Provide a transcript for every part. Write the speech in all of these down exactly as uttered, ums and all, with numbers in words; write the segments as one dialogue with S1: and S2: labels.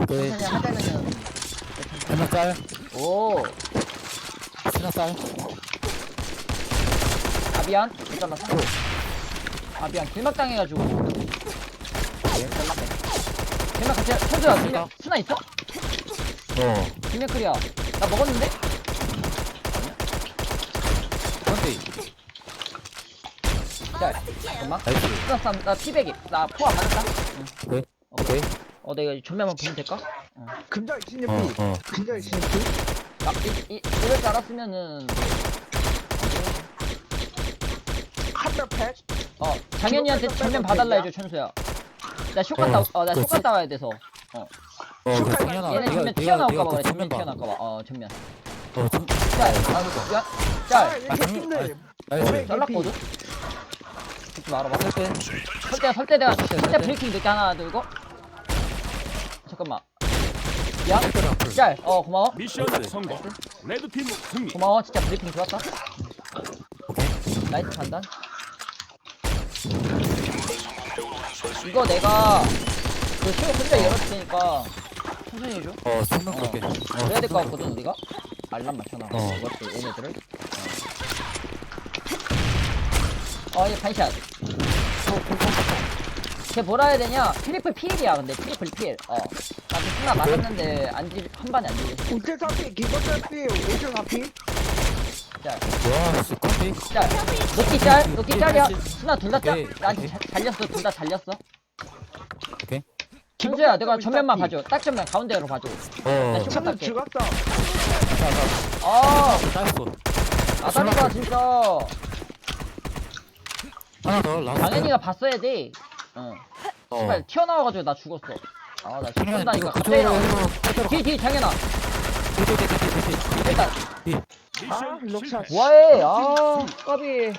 S1: 오케이.
S2: 천천히 하자면은.
S1: 한명 짤.
S2: 오.
S1: 스나 짤.
S2: 아비안. 잘랐어. 아비안 길막 당해가지고. 잘랐네. 길막 같이 천주야. 길막 스나 있어?
S1: 어.
S2: 길막 클리어. 나 먹었는데?
S1: 근데
S2: 자, 잠깐만.
S1: 나이스.
S2: 스나 쌈. 나 피백이. 나 포화 맞았다. 응.
S1: 오케이. 오케이.
S2: 어, 내가 전면만 보면 될까? 어.
S3: 금자 이십육 피.
S1: 어 어.
S3: 금자 이십육 피.
S2: 아, 이, 이, 이럴 줄 알았으면은.
S3: 한달 팩.
S2: 어, 장현이한테 전면 봐달라 해줘, 천수야. 나 쇼컷
S1: 어,
S2: 따, 어, 나
S1: 그렇지.
S2: 쇼컷 따와야 돼서. 어.
S1: 어, 그 당연하.
S2: 얘네 전면 튀어나올까봐 그래, 전면 튀어나올까봐. 어, 전면.
S1: 어, 좀.
S2: 짤, 아, 야,
S3: 아,
S2: 짤.
S3: 이렇게 힘들.
S1: 나이스.
S2: 잘랐거든? 듣지 말아봐. 설대, 설대 내가 줄게. 설대 브레이킹 늦게 하나 들고. 잠깐만. 야, 짤. 어, 고마워.
S4: 미션 성공. 레드팀 승리.
S2: 고마워. 진짜 브리핑 좋았다. 나이스 판단. 이거 내가 그 쇼 혼자 열었을 테니까 천천히 해줘.
S1: 어, 승명
S2: 어.
S1: 볼게. 어,
S2: 그래야 될 것 같거든 우리가. 알람 맞춰놔.
S1: 어.
S2: 이것도 얘네들을. 어, 얘 반샷. 걔 뭐라 해야 되냐? 트리플 피일이야 근데 트리플 피일. 어. 나도 스나 맞았는데 안한 반에 안 들렸어.
S3: 우체 사피, 기본자 피, 우체 사피.
S2: 짤.
S1: 와, 스컨디.
S2: 짤. 녹기 짤. 녹기 짤이야. 스나 둘 다 짤.
S1: 오케이,
S2: 나한테
S1: 오케이.
S2: 자- 잘렸어. 둘 다 잘렸어.
S1: 오케이.
S2: 천수야 내가 전면만 봐줘. 딱 전면 가운데로 봐줘.
S1: 어.
S2: 쇼-
S3: 천년 죽었어.
S2: 아,
S1: 나이스.
S2: 아다리가 진짜
S1: 하나 더. 라스트.
S2: 당연히가 봤어야 돼. 어.
S1: 어.
S2: 씨발 튀어나와가지고 나 죽었어. 아, 나
S1: 그러면
S2: 죽는다니까
S1: 이거
S2: 갑자기
S1: 그쪽으로
S2: 나와.
S1: 해서 그대로 가.
S2: 뒤, 뒤, 장현아. 일단
S3: 아,
S4: 미션
S3: 럭샷.
S4: 실패.
S2: 뭐해? 아, 까비.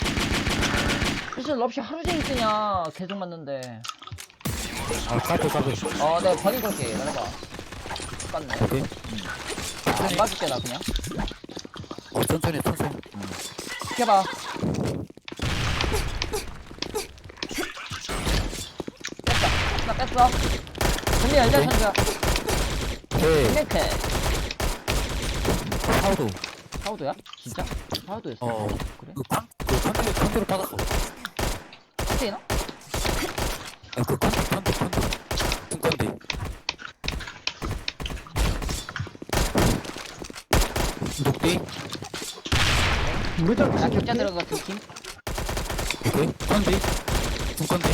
S2: 무슨 럽시 하루 종일 뜨냐? 계속 맞는데.
S1: 아, 카드 카드.
S2: 어, 내가 버린 걸게. 내려봐. 똑같네.
S1: 오케이.
S2: 안 봐줄게 나 그냥.
S1: 어, 천천히 천천히.
S2: 해봐. 뺐다. 나 뺐어. 근데 열자
S1: 오케이.
S2: 천주야.
S1: 오케이.
S2: 이렇게.
S1: 파우도.
S2: 사우도야? 진짜? 사우도였어?
S1: 어.
S2: 그래?
S1: 그 판, 그 판도 판도를 받았어.
S2: 스테이너?
S1: 아, 그 판도 판도 판도. 승컨디. 녹디.
S3: 무적
S2: 나
S3: 이십육
S2: 격자
S3: 피.
S2: 들어가 두 팀.
S1: 오케이. 컨디. 승컨디.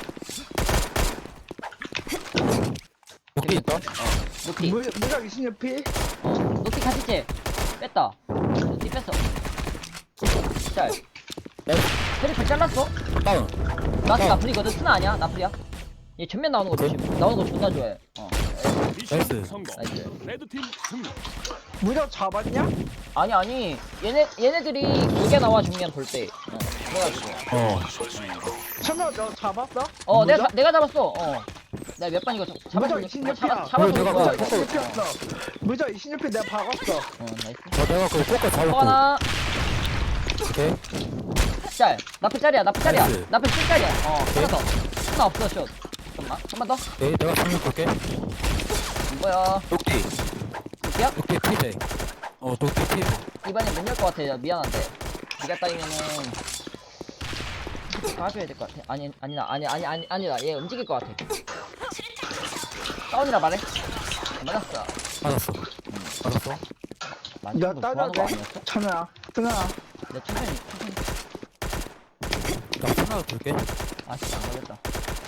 S1: 녹디 있다.
S2: 노티.
S3: 무- 무적 이십육 피.
S2: 어, 노티 카시체. 뺐다. 노티 뺐어. 짤. 트리플 잘랐어?
S1: 다운.
S2: 나
S1: 어.
S2: 나플이거든. 스나 아니야? 나플이야. 얘 전면 나오는 거 조심. 나오는 거 존나 좋아해. 어.
S4: 미션
S1: 나이스.
S4: 성공.
S2: 나이스.
S4: 레드팀 승리.
S3: 무적 잡았냐?
S2: 아니 아니. 얘네 얘네들이 길게 나와 중면 볼 때. 어. 그래가지고.
S1: 어.
S3: 천년 너 잡았어?
S2: 어,
S3: 무적?
S2: 내가 자- 내가 잡았어. 어. 내가 몇 번 이거 잡- 잡아서
S3: 무적 이십육 피야.
S2: 잡아 잡아서
S1: 그래, 내가
S2: 거야.
S1: 그거
S2: 이거.
S3: 무적 이십육 피였어. 무적 이십육 피 내가 박았어.
S2: 어, 나이스.
S1: 어, 내가 그거 꽂고 잡았고.
S2: 하나.
S1: 오케이.
S2: 짤. 나플 짤이야. 나플 짤이야.
S1: 나이스.
S2: 나플 칠 짤이야. 어. 하나 더. 하나 없어 슛. 잠깐만. 한 번 더.
S1: 오케이. 내가 승명 볼게.
S2: 이거야.
S1: 녹디.
S2: 녹티야?
S1: 녹디 피제. 어, 녹디 피제.
S2: 이번에 못 열 것 같아. 야, 미안한데. 네가 따이면은 가줘야 될 것 같아. 아니 아니다. 아니 아니 아니 아니다. 얘 움직일 것 같아. 다운이라 말해. 맞았어.
S1: 받았어. 받았어.
S2: 많이
S3: 나
S2: 좀 좋아하는 거
S3: 따져도 돼?
S2: 아니었어?
S3: 천연아. 천연아.
S2: 내 천천히 천천히.
S1: 나 하나 줄게.
S2: 아 진짜 안 걸렸다.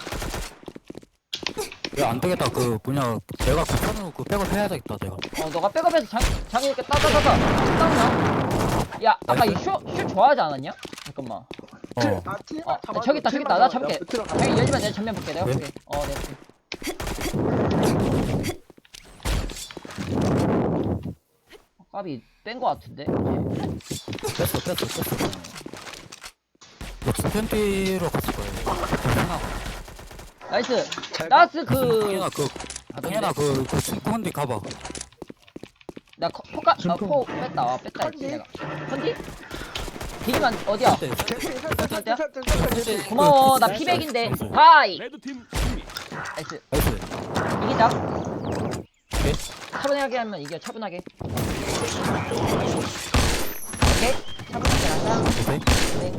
S1: 야, 안 되겠다. 그 뭐냐, 내가 그 편으로 그 백업 해야 되겠다. 내가.
S2: 어 너가 백업해서 장 장이 이렇게 따다다다 다운이야. 야 아까 이쇼쇼 좋아하지 않았냐? 잠깐만.
S1: 어.
S3: 아, 팀
S2: 어
S3: 잡았어.
S2: 저기 있다 저기 있다. 나 잡을게.
S3: 들어가.
S2: 장이 열지마. 내가 전면 볼게. 내가
S1: 네?
S2: 볼게. 어 내가 볼게. 어, 까비 뺀 거 같은데.
S1: 뺐어, 뺐어, 뺐어. 너 스탠디로 갔을 거야. 하나.
S2: 나이스.
S3: 잘
S2: 나스
S1: 동현아,
S2: 그.
S1: 그, 동현아, 그, 그, 중컨디 가봐.
S2: 나 커- 포카 아,
S3: 중통.
S2: 포 뺐다. 아, 뺐다 했지
S3: 컨디?
S2: 내가. 컨디? 디기만 어디야?
S1: 네,
S3: 개피, 설대, 설대,
S2: 어디야?
S3: 설대, 설대, 개피.
S2: 고마워. 나
S1: 나이스,
S2: 피백인데.
S1: 나이스.
S2: 하이.
S4: 레드팀 승리.
S2: 나이스.
S1: 나이스.
S2: 이기자. 차분하게 하면 이겨 차분하게. 오케이 차분하게 하자.
S1: 오케이.
S2: 네.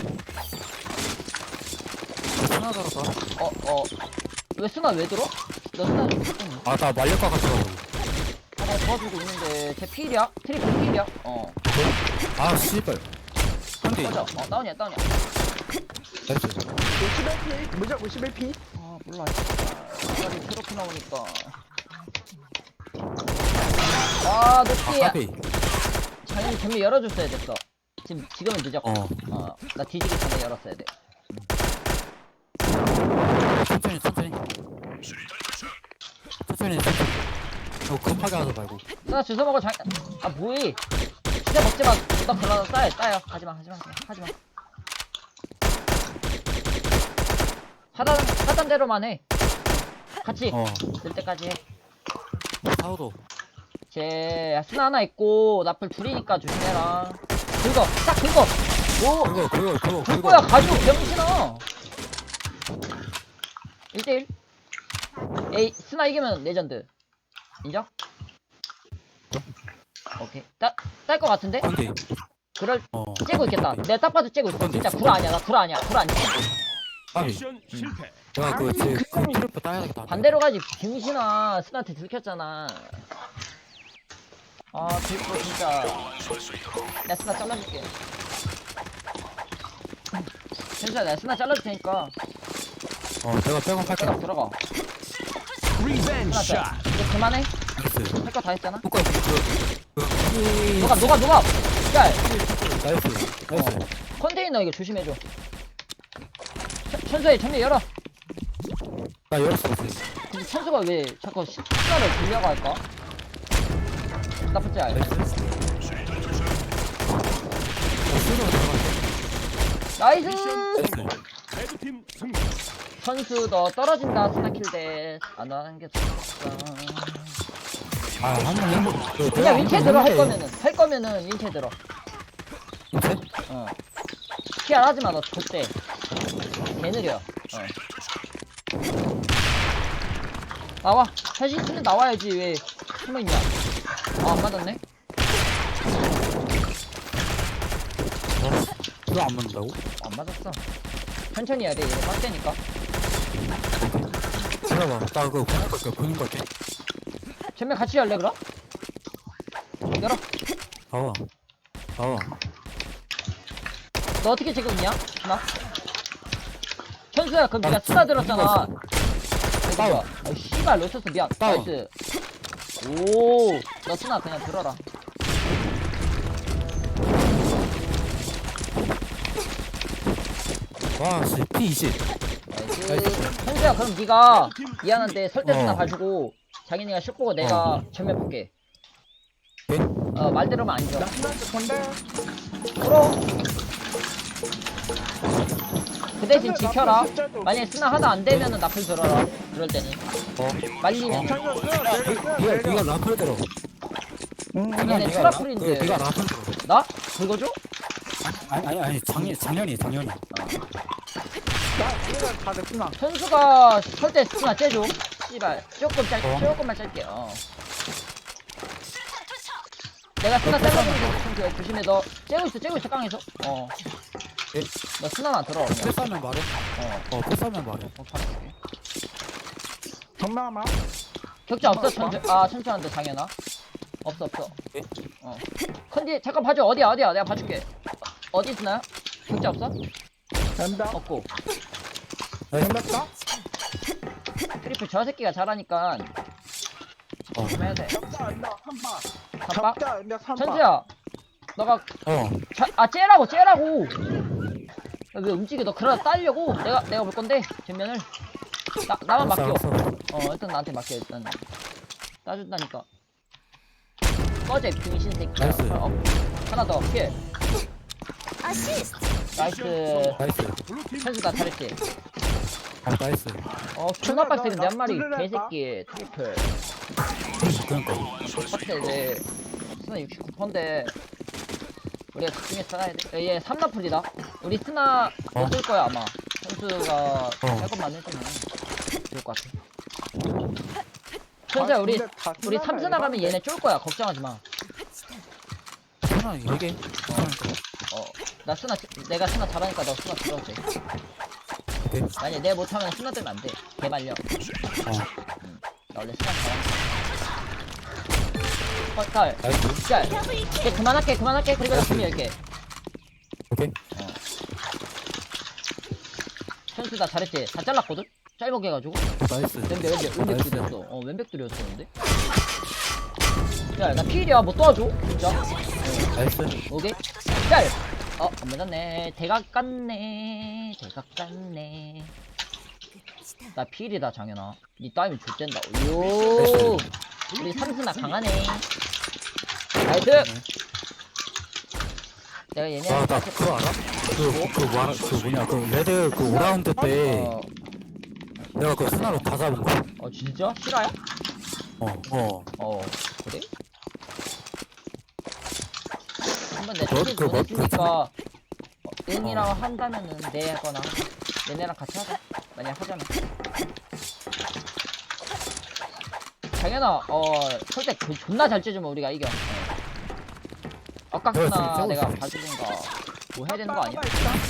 S1: 하나 들었다.
S2: 어어 왜 스나 왜 들어? 너 스나 좀
S1: 아, 나 말릴 것 같아가지고.
S2: 하나 도와주고 있는데 제 필이야? 트리플 필이야? 어
S1: 아, 씨발. 근데,
S2: 맞아. 어 다운이야 다운이야.
S1: 나이스.
S3: 오십일 피 무적 오십일 피
S2: 아 몰라. 빨리 트로피 나오니까. 아
S1: 아,
S2: 높이.
S1: 까비.
S2: 당연히 전면 열어줬어야 됐어. 지금 지금은 늦었고.
S1: 어.
S2: 어나 뒤지기 전에 열었어야 돼.
S1: 천천히, 천천히. 천천히, 천천히. 너 급하게 하지 말고.
S2: 나 주워 먹어 장. 아 뭐해? 진짜 먹지 마. 너 그러다 싸요 싸요. 하지마 하지마 하지마. 하단 하단 대로만 해. 같이
S1: 어.
S2: 늘 때까지 해.
S1: 사우도.
S2: 제 스나 하나 있고 나플 둘이니까 조심해라. 긁어 딱 긁어. 오
S1: 그거, 그거, 그거,
S2: 긁어야
S1: 그거.
S2: 가지고 병신아. 일 대일. 에이 스나 이기면 레전드. 인정? 오케이 딸 것 같은데?
S1: 근데,
S2: 그럴
S1: 어.
S2: 째고 있겠다. 내가 딱 봐도 째고 있어. 진짜 구라 아니야. 나 구라 아니야. 구라 아니야.
S1: 아니,
S4: 미션 실패.
S1: 내가 그, 제, 그, 트리플 따야 되겠다.
S2: 반대로 가지. 병신아 스나한테 들켰잖아. 아 들고 진짜. 내가 스나 잘라줄게. 괜찮아. 내가 스나 잘라줄 테니까.
S1: 어, 내가 백업 할게.
S2: 들어가 들어가.
S4: 리벤지
S2: 스나
S4: 샷.
S2: 짜. 이제 그만해.
S1: 나이스.
S2: 할 거 다 했잖아.
S1: 효과, 그, 그, 그,
S2: 녹아 녹아 녹아. 야
S1: 나이스. 나이스.
S2: 컨테이너 이거 조심해줘. 천- 천수야 전면 열어.
S1: 나 열었어, 이제.
S2: 근데 천수가 왜 자꾸 시- 시간을 돌려고 할까? 나쁘지 않아.
S1: 나이스. 나 수로 들어갔어.
S2: 나이스!
S4: 미션 성공. 레드팀 승리.
S2: 천수 너 떨어진다 스나킬대 안 하는 게 좋겠어.
S1: 아, 한번 해보. 그,
S2: 그냥 윈체 들어 할
S1: 했는데.
S2: 거면은 할 거면은 윈체 들어.
S1: 윈체?
S2: 어. 피알 하지 마 너 그때. 개 느려. 어. 나와. 사실 있으면 나와야지 왜 숨어 있냐? 아 안 맞았네.
S1: 그거 안 맞는다고?
S2: 안 맞았어. 천천히 해야 돼. 이거 빡대니까.
S1: 들어봐. 나 그거 보는 걸게, 보는 걸게.
S2: 전면 같이 할래 그럼? 열어.
S1: 나와. 나와.
S2: 너 어떻게 찍고 있냐? 나? 천수야 그럼 네가 스나 들었잖아.
S1: 다운.
S2: 아 씨발 놓쳤어 미안.
S1: 다운.
S2: 나이스. 오, 너 스나 그냥 들어라.
S1: 와, 씨, 피 이십.
S2: 나이스. 천수야 그럼 네가 미안한데 설대 스나
S1: 어.
S2: 가지고 자기네가 슛 보고 내가 전면 볼게.
S1: 네?
S2: 어 말대로만 안 줘.
S3: 나 스나한테 건데
S2: 풀어. 그 대신 지켜라. 만약에 스나 하나 안 되면은 나풀 들어라. 그럴 때는
S1: 어.
S2: 말리면.
S3: 천사 스나 내려 스나
S1: 네가,
S3: 내려
S1: 네가 라플 들어.
S3: 응
S1: 그냥
S2: 얘네
S1: 네가 라-
S2: 트라플인데.
S1: 그, 네가 라플 들어.
S2: 나? 긁어줘?
S1: 아니, 아니, 아니, 작년, 작년이, 작년이.
S3: 나 우리가 다들 스나
S2: 천수가 설대 스나 째줘. 씨발 조금 짧
S1: 어.
S2: 조금만 짧게. 어. 내가 스나 잘라주면 천수야 조심해. 너 째고 있어 째고 있어 깡에서. 어.
S1: 예?
S2: 너 스나만 들어. 그냥.
S1: 패스하면 말해.
S2: 어.
S1: 어, 패스하면 말해.
S2: 어 잘할게.
S3: 정남아
S2: 격자 없어 천수. 아 천수한테 당연하. 없어 없어.
S1: 예?
S2: 어. 컨디 잠깐 봐줘. 어디야 어디야 내가 봐줄게. 어디 스나야? 격자 없어?
S3: 된다
S2: 없고.
S3: 된다
S2: 트리플 저 새끼가 잘하니까
S1: 어.
S2: 좀 해야 돼.
S3: 적자 안다 삼바
S2: 삼박?
S3: 적자 안다 삼바
S2: 천수야. 너가
S1: 어.
S2: 자, 아 째라고 째라고. 야, 왜 움직여? 너 그러다 따려고. 내가 내가 볼 건데 뒷면을. 나 나만 맡겨.
S1: 알았어, 알았어.
S2: 어 일단 나한테 맡겨 일단. 따준다니까. 꺼져 병신 새끼야.
S1: 나이스.
S2: 어, 하나 더. 피해. 나이스.
S1: 나이스.
S4: 블루팀
S2: 천수가 잘했지.
S1: 아, 나이스.
S2: 어 존나
S3: 천수야,
S2: 빡세 근데
S3: 너
S2: 한 마리
S3: 나
S2: 개새끼 트리플.
S1: 그러니까.
S2: 빡세 내 스나 육십구 퍼센트인데 우리가 집중해서 살아야 돼. 얘 삼 라플이다. 우리 스나
S1: 어.
S2: 못 쓸 거야 아마. 선수가 할 것만 해주면 좋을 것 같아. 천수야 우리
S3: 근데 다
S2: 우리
S3: 쓰나봐,
S2: 삼수 나가면
S3: 일반인데.
S2: 얘네 쫄 거야. 걱정하지 마.
S1: 하나 이게.
S2: 어, 나 스나 내가 스나 잘하니까 너 스나 들어도 돼.
S1: 오케이.
S2: 만약 내가 못하면 스나 들면 안 돼. 개말려.
S1: 어.
S2: 나 원래 스나 잘하니까. 어, 딸.
S1: 나이스.
S2: 짤. 이제 그만할게, 그만할게. 그리고 나 준비 열게.
S1: 오케이.
S2: 천수 나 잘했지? 다 잘랐거든? 짧게 해가지고.
S1: 나이스.
S2: 왼백, 왼백, 왼백
S1: 나이스.
S2: 들였어. 어, 왼백 들였었는데? 야, 나 필이야. 뭐 도와줘? 진짜?
S1: 나이스.
S2: 오케이. 짤! 어, 안 맞았네. 대각 같네. 대각 같네. 나 필이다, 장현아. 니 따위면 좆된다. 요. 우리 삼수나 강하네. 나이스! 내가 얘네.
S1: 아, 나 그거 알아? 그, 그, 뭐, 그 뭐냐, 그, 레드 그 오 라운드 때
S2: 어,
S1: 내가 그 스나로 다 잡은 거.
S2: 어, 진짜? 실화야?
S1: 어, 어.
S2: 어, 그래? 한번 내
S1: 너,
S2: 소식
S1: 그, 뭐,
S2: 보내주니까 어, 응이라고 한다면은 내 하거나 얘네랑 같이 하자. 만약 하자면. 당연아, 어, 설때 그 존나 잘 째주면 우리가 이겨. 아깝구나.
S1: 내가
S2: 내가
S1: 지금
S2: 봐주든가 뭐 해야 되는 거 아니야?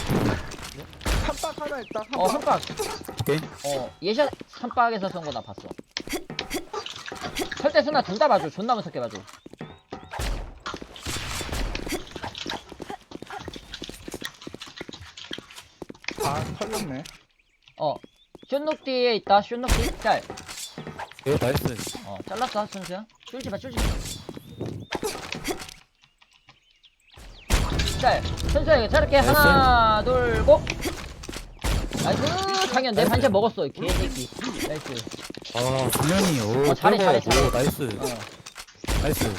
S3: 삼박 하나 있다.
S2: 어,
S3: 삼박.
S2: 선박.
S1: 오케이.
S2: 어, 예샷 선박에서 쏜 거 나 봤어. 설때 순나 둘 다 봐줘. 존나 무섭게 봐줘.
S3: 아, 털렸네.
S2: 어, 쇼녹디에 있다. 쇼녹디. 짤.
S1: 오케이, 나이스.
S2: 어, 잘랐어, 선수야. 쫄지 마, 쫄지 마. 짤. 선수야, 이거 자를게.
S1: 나이스.
S2: 하나, 둘, 고! 나이스! 장현, 내
S1: 나이스.
S2: 반찬 먹었어, 이 개새끼. 나이스.
S1: 아, 정면이, 오,
S2: 어, 잘해,
S1: 오,
S2: 잘해, 잘해.
S1: 오, 나이스.
S2: 어.
S1: 나이스.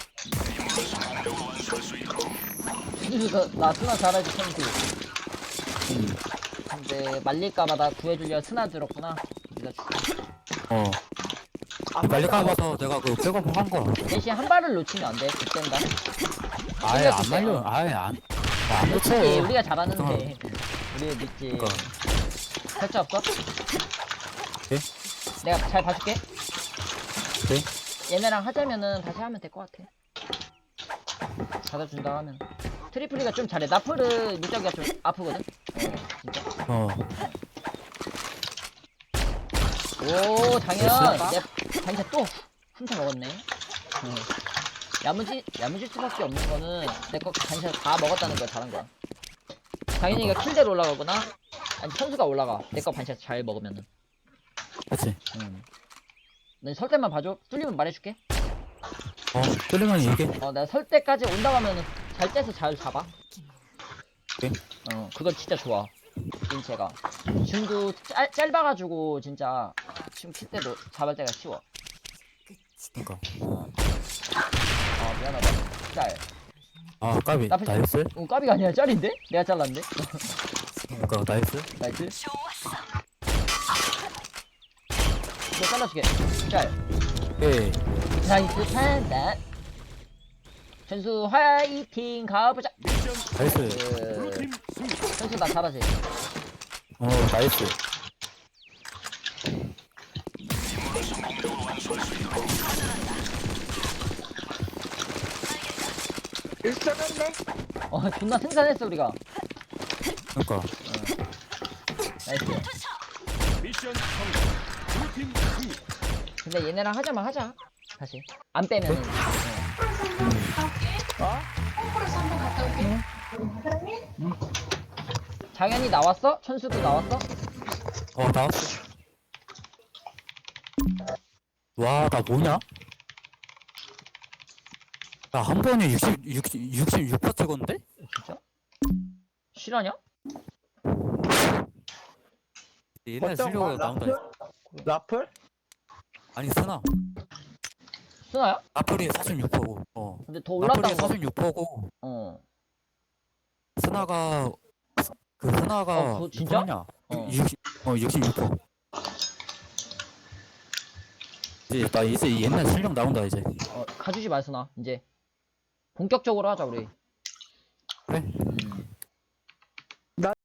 S2: 선수, 나 스나 잘하지, 선수.
S1: 음.
S2: 근데, 말릴까봐 나 구해주려 스나 들었구나. 네가 죽
S1: 어. 빨리 까봐서 내가 그 백업 한 거.
S2: 대신 한 발을 놓치면 안 돼. 그땐다.
S1: 아예 안
S2: 생각해.
S1: 말려. 아예 안. 안
S2: 그렇지,
S1: 놓쳐.
S2: 우리가 잘하는데.
S1: 그럼.
S2: 우리 믿지.
S1: 그러니까.
S2: 설자 없어?
S1: 네?
S2: 내가 잘 봐줄게.
S1: 오케이.
S2: 얘네랑 하자면은 다시 하면 될 것 같아. 받아준다 하면. 트리플리가 좀 잘해. 나프르 무적이가 좀 아프거든? 어, 진짜.
S1: 어.
S2: 오, 당연.
S3: 됐어?
S2: 내 반찬 또 훔쳐 먹었네. 어. 야무지, 야무질 수밖에 없는 거는 내 거 반찬 다 먹었다는 걸 잘한 거야. 당연히 이거 킬대로 올라가거나, 아니, 선수가 올라가. 내 거 반찬 잘 먹으면은.
S1: 그치.
S2: 응. 넌 설 때만 봐줘. 뚫리면 말해줄게.
S1: 어, 뚫리면 얘기해.
S2: 어, 내가 설 때까지 온다고 하면은 잘 떼서 잘 잡아.
S1: 오케이.
S2: 어, 그건 진짜 좋아. 인체가. 줌도 짧, 짧아가지고, 진짜, 줌 킬 때도 잡을 때가 쉬워.
S1: 그니까.
S2: 어, 아, 미안하다. 짤.
S1: 아, 까비.
S2: 나쁘지-
S1: 나이스.
S2: 어, 까비가 아니라 짤인데? 내가 잘랐는데?
S1: 그니까, 나이스.
S2: 나이스. 이거 잘라줄게. 짤.
S1: 오케이.
S2: 나이스 판단. 전수 화이팅 가보자.
S4: 미션
S1: 나이스.
S2: 그,
S4: 블루팀 승리.
S2: 전수 나 잘하지?
S1: 어, 나이스.
S3: 일점했네.
S2: 어, 존나 생산했어, 우리가.
S1: 그니까.
S2: 나이스.
S4: 미션 성공. 블루팀 승리.
S2: 근데 얘네랑 하자만 하자. 다시. 안 빼면은.
S3: 어?
S2: 장현이 나왔어? 천수도 나왔어?
S1: 어, 나왔어. 와, 나 뭐냐? 나 한 번에 육십, 육십, 육십육 퍼센트 찍었는데?
S2: 진짜? 실화냐?
S1: 옛날
S3: 어떤
S1: 실력으로
S3: 거?
S1: 나온다.
S3: 라플? 라플?
S1: 아니, 스나.
S2: 순아야?
S1: 나플이 사십육 퍼센트고. 어.
S2: 근데 더
S1: 나플이
S2: 올랐다는 거.
S1: 사십육 퍼센트고.
S2: 어.
S1: 스나가, 그 스나가.
S2: 어, 그거 진짜?
S1: 냐
S2: 어.
S1: 육십, 어, 육십육 퍼센트. 이제, 나 이제 옛날 실력 나온다, 이제.
S2: 어, 가주지 마, 순아. 이제. 본격적으로 하자, 우리.
S1: 그래?
S2: 음.